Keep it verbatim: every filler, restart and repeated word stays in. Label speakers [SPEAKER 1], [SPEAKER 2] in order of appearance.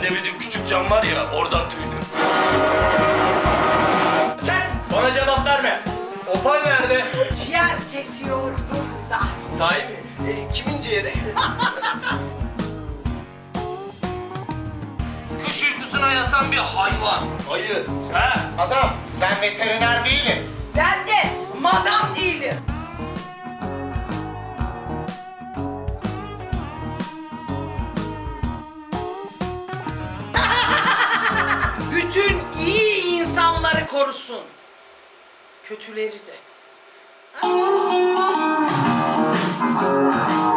[SPEAKER 1] de bizim küçük cam var ya, oradan duydum.
[SPEAKER 2] Kes! Bana cevap verme. Opal nerede?
[SPEAKER 3] Ciğer kesiyordum da.
[SPEAKER 2] Sahi mi? E, kimin ciğeri?
[SPEAKER 1] Kış uykusuna yatan bir hayvan.
[SPEAKER 2] Ayı.
[SPEAKER 1] He?
[SPEAKER 4] Adam, ben veteriner değilim.
[SPEAKER 3] Ben de madam değilim. Bütün iyi insanları korusun. Kötüleri de.